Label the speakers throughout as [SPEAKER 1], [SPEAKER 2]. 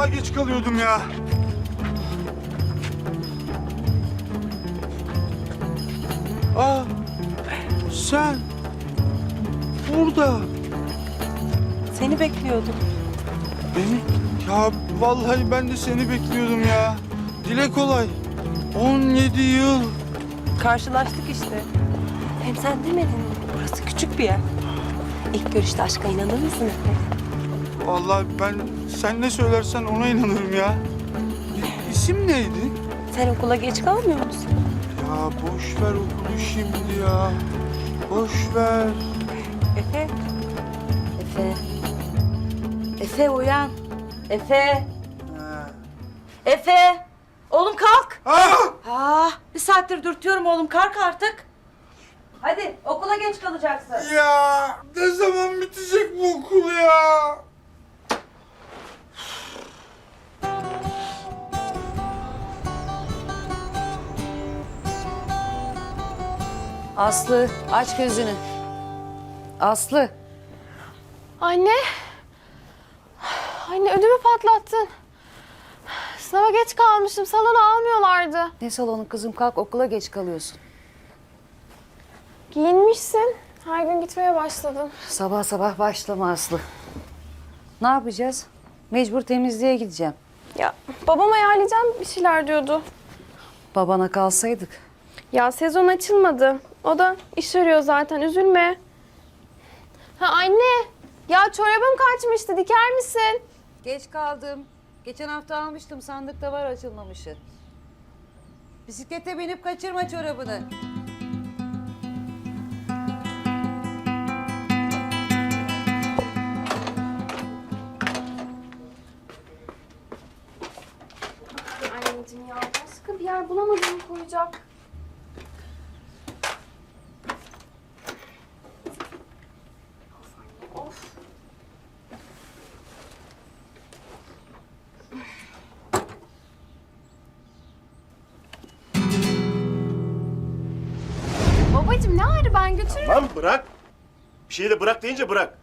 [SPEAKER 1] vallahi geç kalıyordum ya. Aa, sen burada.
[SPEAKER 2] Seni bekliyordum.
[SPEAKER 1] Beni? Ya vallahi ben de seni bekliyordum ya. Dile kolay. 17 yıl.
[SPEAKER 2] Karşılaştık işte. Hem sen demedin mi? Burası küçük bir yer. İlk görüşte aşka inanır mısın Efe?
[SPEAKER 1] Vallahi ben sen ne söylersen ona inanırım ya. İsim neydi?
[SPEAKER 2] Sen okula geç kalmıyor musun?
[SPEAKER 1] Ya boş ver okulu şimdi ya. Boş ver.
[SPEAKER 2] Efe.
[SPEAKER 3] Efe. Efe uyan. Efe.
[SPEAKER 1] Ha.
[SPEAKER 3] Efe. Oğlum kalk.
[SPEAKER 1] Ah!
[SPEAKER 3] Bir saattir dürtüyorum oğlum, kalk artık. Hadi okula geç kalacaksın.
[SPEAKER 1] Ya ne zaman bitecek bu okul ya?
[SPEAKER 4] Aslı aç gözünü. Aslı.
[SPEAKER 5] Anne. Anne ödümü patlattın. Sınava geç kalmışım. Salona almıyorlardı.
[SPEAKER 4] Ne salonu kızım, kalk, okula geç kalıyorsun.
[SPEAKER 5] Giyinmişsin. Her gün gitmeye başladım.
[SPEAKER 4] Sabah sabah başlama Aslı. Ne yapacağız? Mecbur temizliğe gideceğim.
[SPEAKER 5] Ya babam ayarlayacağım bir şeyler diyordu.
[SPEAKER 4] Babana kalsaydık.
[SPEAKER 5] Ya sezon açılmadı. O da iş arıyor zaten. Üzülme. Ha anne. Ya çorabım kaçmıştı. Diker misin?
[SPEAKER 4] Geç kaldım. Geçen hafta almıştım, sandıkta var açılmamışı. Bisiklete binip kaçırma çorabını.
[SPEAKER 5] Anneciğim ya başka bir yer bulamadım koyacak. Of anne of. Babacığım ne ağrı, ben götürürüm.
[SPEAKER 6] Lan bırak. Bir şeyi de bırak deyince bırak.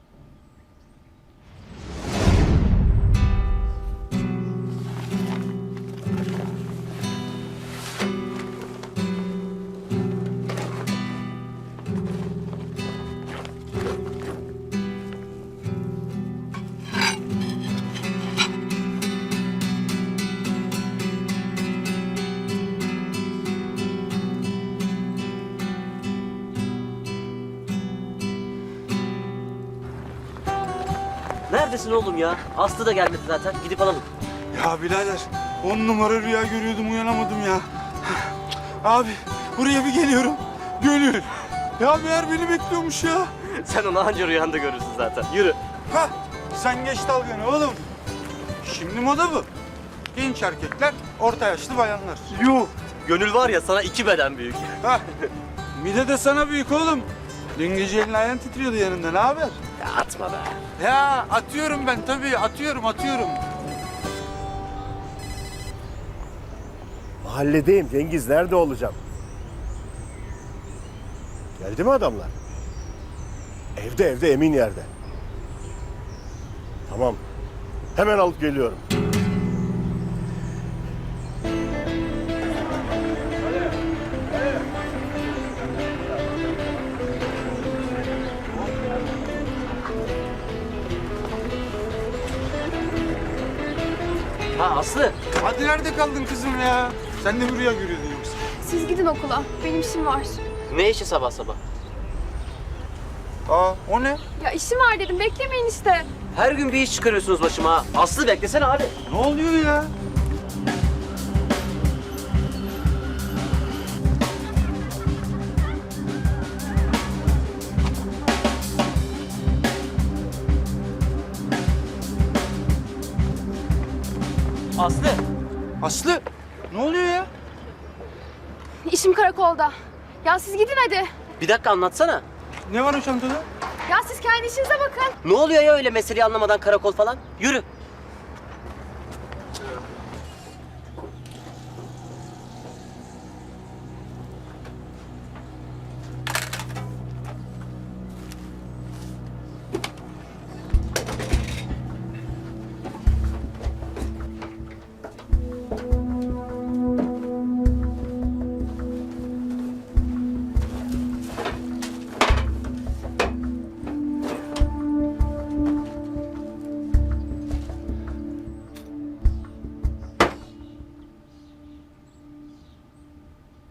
[SPEAKER 7] Neredesin oğlum ya? Aslı da gelmedi zaten. Gidip alalım.
[SPEAKER 1] Ya birader 10 numara rüya görüyordum uyanamadım ya. Abi buraya bir geliyorum. Gönül. Ya meğer beni bekliyormuş ya.
[SPEAKER 7] Sen onu anca rüyanda görürsün zaten. Yürü.
[SPEAKER 1] Hah sen geç dalganı oğlum. Şimdi moda bu. Genç erkekler, orta yaşlı bayanlar.
[SPEAKER 7] Yuh. Gönül var ya sana 2 beden büyük.
[SPEAKER 1] Hah. Mide de sana büyük oğlum. Dün gece elin ayağın titriyordu yanında. Ne haber?
[SPEAKER 7] Ya atma be.
[SPEAKER 1] Ya atıyorum ben tabii. Atıyorum.
[SPEAKER 6] Mahalledeyim Cengiz. Nerede olacağım? Geldi mi adamlar? Evde emin yerde. Tamam. Hemen alıp geliyorum.
[SPEAKER 7] Ha Aslı.
[SPEAKER 1] Hadi nerede kaldın kızım ya? Sen de mi rüya görüyordun yoksa?
[SPEAKER 5] Siz gidin okula. Benim işim var.
[SPEAKER 7] Ne işi sabah sabah?
[SPEAKER 1] Aa o ne?
[SPEAKER 5] Ya işim var dedim. Beklemeyin işte.
[SPEAKER 7] Her gün bir iş çıkarıyorsunuz başıma ha. Aslı beklesene abi.
[SPEAKER 1] Ne oluyor ya?
[SPEAKER 7] Aslı.
[SPEAKER 1] Aslı ne oluyor ya?
[SPEAKER 5] İşim karakolda. Ya siz gidin hadi.
[SPEAKER 7] Bir dakika anlatsana.
[SPEAKER 1] Ne var o çantada?
[SPEAKER 5] Ya siz kendi işinize bakın.
[SPEAKER 7] Ne oluyor ya öyle meseleyi anlamadan karakol falan? Yürü.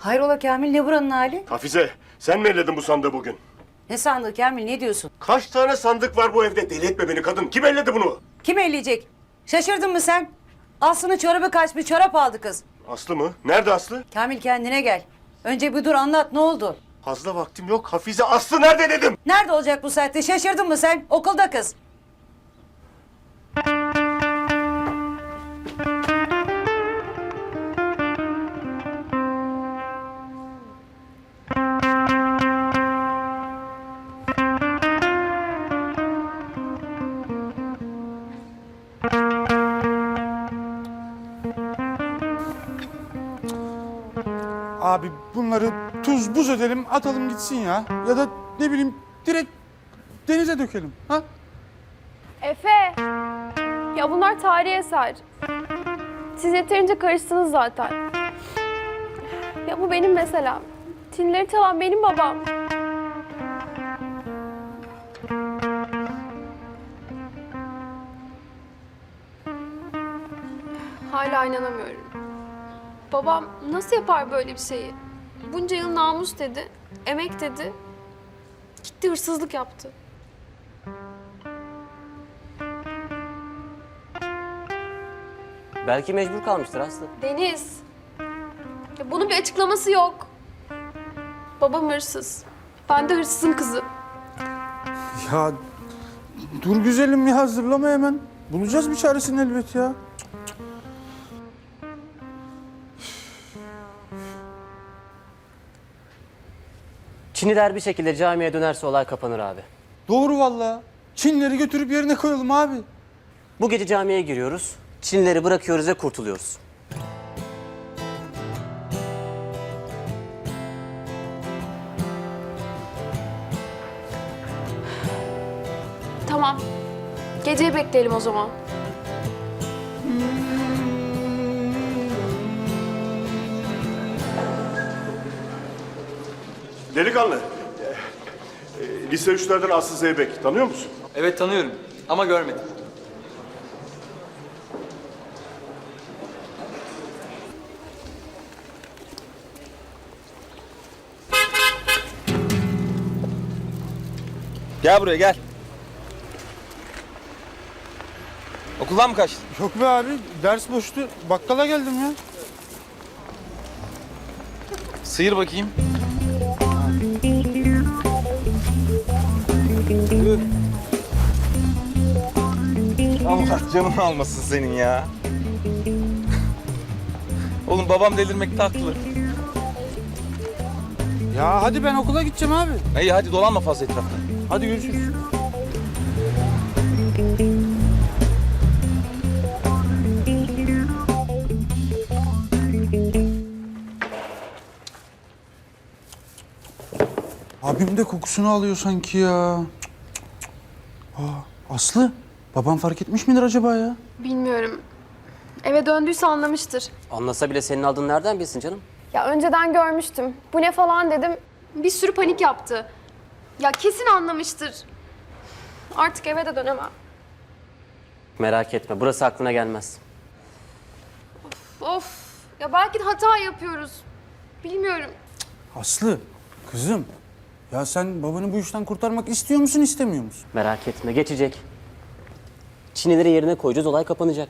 [SPEAKER 4] Hayrola Kamil, ne buranın hali?
[SPEAKER 6] Hafize, sen mi elledin bu sandığı bugün?
[SPEAKER 4] Ne sandığı Kamil, ne diyorsun?
[SPEAKER 6] Kaç tane sandık var bu evde? Deli etme beni kadın. Kim elledi bunu?
[SPEAKER 4] Kim elleyecek? Şaşırdın mı sen? Aslı'nın çorabı kaçmış, çorap aldı kız.
[SPEAKER 6] Aslı mı? Nerede Aslı?
[SPEAKER 4] Kamil kendine gel. Önce bir dur anlat, ne oldu?
[SPEAKER 6] Fazla vaktim yok. Hafize, Aslı nerede dedim?
[SPEAKER 4] Nerede olacak bu saatte? Şaşırdın mı sen? Okulda kız.
[SPEAKER 1] Abi bunları tuz buz edelim, atalım gitsin ya. Ya da ne bileyim direkt denize dökelim. Ha?
[SPEAKER 5] Efe! Ya bunlar tarihi eser. Siz yeterince karıştınız zaten. Ya bu benim meselem. Çinleri çalan benim babam. Hala inanamıyorum. Babam nasıl yapar böyle bir şeyi? Bunca yıl namus dedi, emek dedi. Gitti hırsızlık yaptı.
[SPEAKER 7] Belki mecbur kalmıştır Aslı.
[SPEAKER 5] Deniz. Ya bunun bir açıklaması yok. Babam hırsız. Ben de hırsızın kızı.
[SPEAKER 1] Ya dur güzelim ya, hazırlama hemen. Bulacağız bir çaresini elbet ya.
[SPEAKER 7] Çiniler bir şekilde camiye dönerse olay kapanır abi.
[SPEAKER 1] Doğru vallahi. Çinleri götürüp yerine koyalım abi.
[SPEAKER 7] Bu gece camiye giriyoruz. Çinileri bırakıyoruz ve kurtuluyoruz.
[SPEAKER 5] Tamam. Geceyi bekleyelim o zaman.
[SPEAKER 6] Delikanlı. Lise 3'lerden Aslı Zeybek. Tanıyor musun?
[SPEAKER 8] Evet tanıyorum ama görmedim. Gel buraya gel. Okuldan mı kaçtın?
[SPEAKER 1] Yok be abi, ders boştu. Bakkala geldim ya.
[SPEAKER 8] Sıyır bakayım. Allah canını almasın senin ya. Oğlum babam delirmekte haklı.
[SPEAKER 1] Ya hadi ben okula gideceğim abi.
[SPEAKER 8] İyi hadi dolanma fazla etrafta.
[SPEAKER 1] Hadi görüşürüz. Abim de kokusunu alıyor sanki ya. Aslı, babam fark etmiş midir acaba ya?
[SPEAKER 5] Bilmiyorum. Eve döndüyse anlamıştır.
[SPEAKER 7] Anlasa bile senin aldığını nereden bilsin canım?
[SPEAKER 5] Ya önceden görmüştüm. Bu ne falan dedim. Bir sürü panik yaptı. Ya kesin anlamıştır. Artık eve de dönemem.
[SPEAKER 7] Merak etme, burası aklına gelmez.
[SPEAKER 5] Of. Ya belki de hata yapıyoruz. Bilmiyorum.
[SPEAKER 1] Aslı, kızım. Ya sen babanı bu işten kurtarmak istiyor musun, istemiyor musun?
[SPEAKER 7] Merak etme, geçecek. Çinileri yerine koyacağız, olay kapanacak.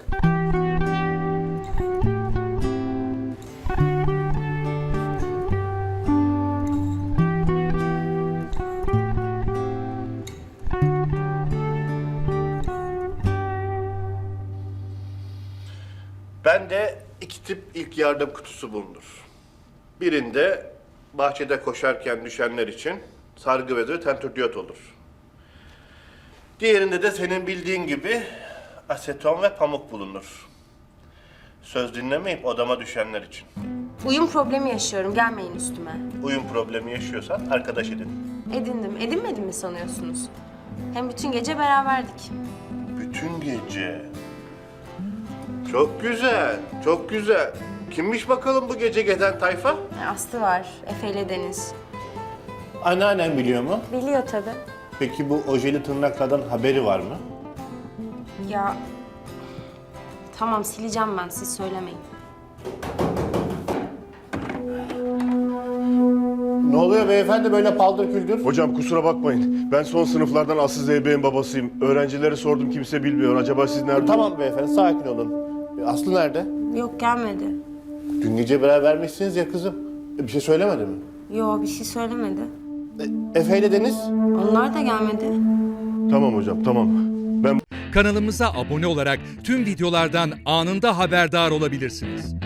[SPEAKER 6] Bende iki tip ilk yardım kutusu bulunur. Birinde bahçede koşarken düşenler için sargı bezi ve tentürdiyot olur. Diğerinde de senin bildiğin gibi aseton ve pamuk bulunur. Söz dinlemeyip odama düşenler için.
[SPEAKER 2] Uyum problemi yaşıyorum. Gelmeyin üstüme.
[SPEAKER 6] Uyum problemi yaşıyorsan arkadaş edin.
[SPEAKER 2] Edindim. Edinmedim mi sanıyorsunuz? Hem bütün gece beraberdik.
[SPEAKER 6] Bütün gece. Çok güzel, çok güzel. Kimmiş bakalım bu gece gezen tayfa?
[SPEAKER 2] Aslı var. Efe ile Deniz.
[SPEAKER 6] Anneannem biliyor mu?
[SPEAKER 2] Biliyor tabii.
[SPEAKER 6] Peki bu ojeli tırnaklardan haberi var mı?
[SPEAKER 2] Ya tamam sileceğim ben. Siz söylemeyin.
[SPEAKER 6] Ne oluyor beyefendi böyle paldır küldür?
[SPEAKER 9] Hocam kusura bakmayın. Ben son sınıflardan Aslı Zeybe'nin babasıyım. Öğrencilere sordum, kimse bilmiyor. Acaba siz nerede?
[SPEAKER 6] Tamam beyefendi, sakin olun. Aslı nerede?
[SPEAKER 2] Yok gelmedi.
[SPEAKER 6] Dün gece berabermişsiniz ya kızım. Bir şey söylemedi mi?
[SPEAKER 2] Yok bir şey söylemedi.
[SPEAKER 6] Efe ile Deniz?
[SPEAKER 2] Onlar da gelmedi.
[SPEAKER 9] Tamam hocam, tamam. Ben
[SPEAKER 10] Kanalımıza abone olarak tüm videolardan anında haberdar olabilirsiniz.